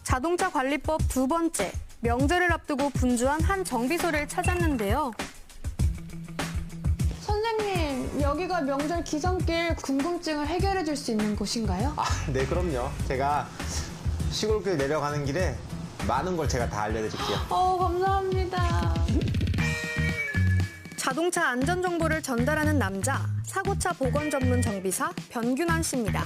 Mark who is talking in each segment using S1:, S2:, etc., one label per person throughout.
S1: 자동차 관리법 두 번째, 명절을 앞두고 분주한 한 정비소를 찾았는데요.
S2: 선생님, 여기가 명절 기성길 궁금증을 해결해 줄 수 있는 곳인가요?
S3: 네, 그럼요. 제가 시골길 내려가는 길에 많은 걸 제가 다 알려드릴게요.
S2: 감사합니다.
S1: 자동차 안전 정보를 전달하는 남자, 사고차 보건 전문 정비사 변균환 씨입니다.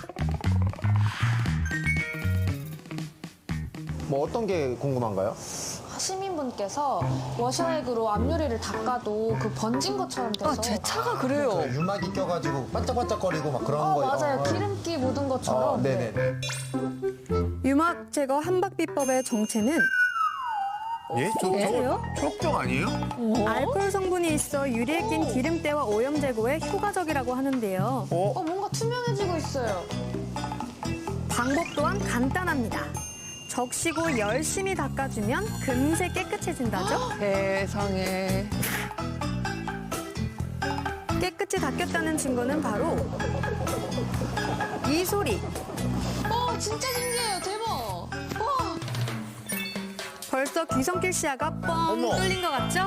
S3: 뭐 어떤 게 궁금한가요?
S2: 시민분께서 워셔액으로 앞유리를 닦아도 그 번진 것처럼 돼서
S4: 제 차가 그래요.
S3: 유막이 껴가지고 반짝반짝거리고 막 그런 거.
S2: 맞아요. 기름기 묻은 것처럼.
S3: 네네.
S1: 유막 제거 한박비법의 정체는
S5: 예?
S1: 아세요?
S5: 초록병 아니에요?
S1: 알코올 성분이 있어 유리에 낀 기름때와 오염 제거에 효과적이라고 하는데요.
S2: 뭔가 투명해지고 있어요.
S1: 방법 또한 간단합니다. 적시고 열심히 닦아주면 금세 깨끗해진다죠?
S4: 세상에.
S1: 깨끗이 닦였다는 증거는 바로 이 소리.
S2: 진짜 신기해요. 대박. 와.
S1: 벌써 귀성길 시야가 뻥 뚫린 것 같죠?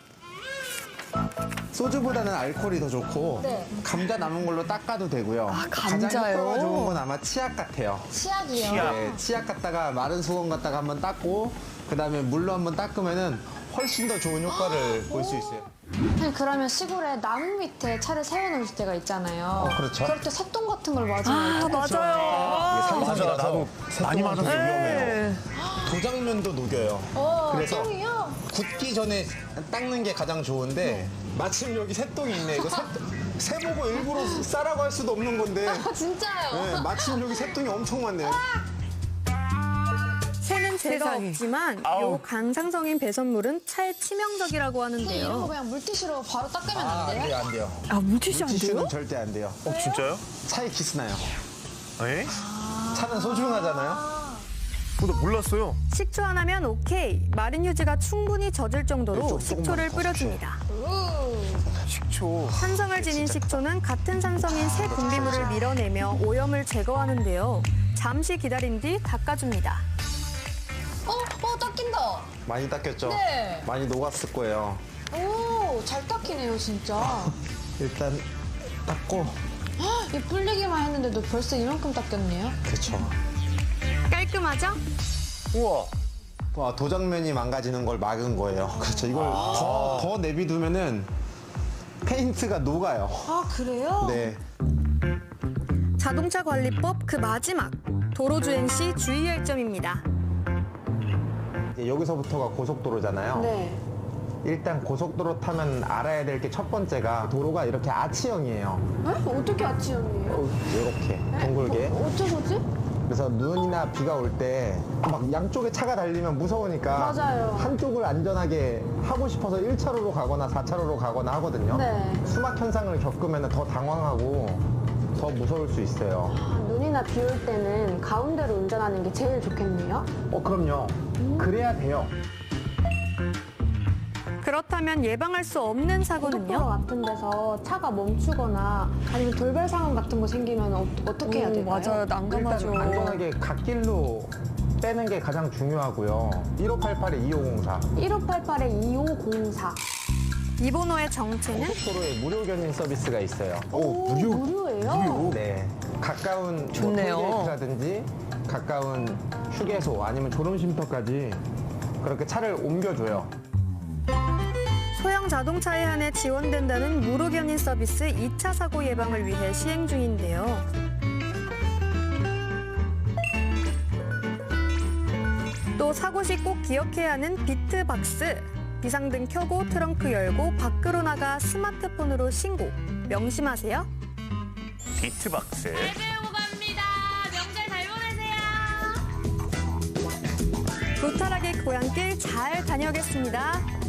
S3: 소주보다는 알코올이 더 좋고
S2: 네.
S3: 감자 남은 걸로 닦아도 되고요.
S4: 감자요?
S3: 가장 효과가 좋은 건 아마 치약 같아요.
S2: 치약이요.
S3: 네, 치약 갖다가 마른 수건 갖다가 한번 닦고 그다음에 물로 한번 닦으면은 훨씬 더 좋은 효과를 볼 수 있어요.
S2: 아니, 그러면 시골에 나무 밑에 차를 세워놓을 때가 있잖아요.
S3: 그렇죠.
S2: 그럴 때 새똥 같은 걸 맞으면 어떡하죠?
S4: 맞아요.
S3: 이게 산성이라서
S5: 나도 많이 맞아서
S3: 위험해요. 도장면도 녹여요. 그래서
S2: 똥이요?
S3: 굳기 전에 닦는 게 가장 좋은데 마침 여기 새똥이 있네. 이거 새보고 일부러 싸라고 할 수도 없는 건데
S2: 진짜요?
S3: 네, 마침 여기 새똥이 엄청 많네요.
S1: 새는 죄가
S4: 세상에.
S1: 없지만 요 강상성인 배선물은 차에 치명적이라고
S2: 이런 거
S1: 하는데요.
S2: 그냥 물티슈로 바로 닦으면 안
S3: 안
S2: 돼요?
S3: 돼요, 안 돼요.
S4: 물티슈 안 돼요?
S3: 티슈는 절대 안 돼요.
S5: 진짜요?
S3: 차에 기스나요.
S5: 에?
S3: 차는 소중하잖아요.
S5: 나 몰랐어요.
S1: 식초 하나면 오케이. 마른 휴지가 충분히 젖을 정도로
S3: 조금만
S1: 식초를
S3: 더
S1: 뿌려줍니다.
S5: 식초.
S1: 산성을 지닌 식초는 같은 산성인 새 분비물을 밀어내며 오염을 제거하는데요. 잠시 기다린 뒤 닦아줍니다.
S2: 닦인다.
S3: 많이 닦였죠?
S2: 네.
S3: 많이 녹았을 거예요.
S2: 잘 닦이네요, 진짜.
S3: 일단 닦고.
S2: 이 불리기만 했는데도 벌써 이만큼 닦였네요.
S3: 그렇죠.
S1: 깔끔하죠?
S5: 우와.
S3: 와, 도장면이 망가지는 걸 막은 거예요. 그렇죠. 이걸 더 내비두면은 페인트가 녹아요.
S2: 그래요?
S3: 네.
S1: 자동차 관리법 그 마지막. 도로주행 시 주의할 점입니다.
S3: 이제 여기서부터가 고속도로잖아요.
S2: 네.
S3: 일단 고속도로 타면 알아야 될 게 첫 번째가 도로가 이렇게 아치형이에요.
S2: 어떻게 아치형이에요?
S3: 이렇게 동글게.
S2: 어쩌고지?
S3: 그래서 눈이나 비가 올 때 막 양쪽에 차가 달리면 무서우니까
S2: 맞아요.
S3: 한쪽을 안전하게 하고 싶어서 1차로로 가거나 4차로로 가거나 하거든요.
S2: 네.
S3: 수막 현상을 겪으면 더 당황하고 더 무서울 수 있어요.
S2: 눈이나 비 올 때는 가운데로 운전하는 게 제일 좋겠네요.
S3: 그럼요. 그래야 돼요.
S1: 그렇다면 예방할 수 없는
S2: 고속도로
S1: 사고는요?
S2: 같은 데서 차가 멈추거나 아니면 돌발 상황 같은 거 생기면 어떻게 해야 될까요?
S4: 맞아요.
S3: 일단
S4: 난감하죠.
S3: 안전하게 갓길로 빼는 게 가장 중요하고요. 1588-2504.
S2: 1588-2504.
S1: 이 번호의 정체는
S3: 고속도로에 무료 견인 서비스가 있어요.
S2: 무료예요?
S3: 네. 가까운 뭐
S4: 좋네요.
S3: 톨게이트라든지 가까운 휴게소 아니면 졸음쉼터까지 그렇게 차를 옮겨줘요.
S1: 소형 자동차에 한해 지원된다는 무료 견인 서비스 2차 사고 예방을 위해 시행 중인데요. 또 사고 시 꼭 기억해야 하는 비트박스. 비상등 켜고 트렁크 열고 밖으로 나가 스마트폰으로 신고. 명심하세요.
S5: 비트박스.
S6: 배우고 갑니다. 명절 잘 보내세요.
S1: 무탈하게 고향길 잘 다녀오겠습니다.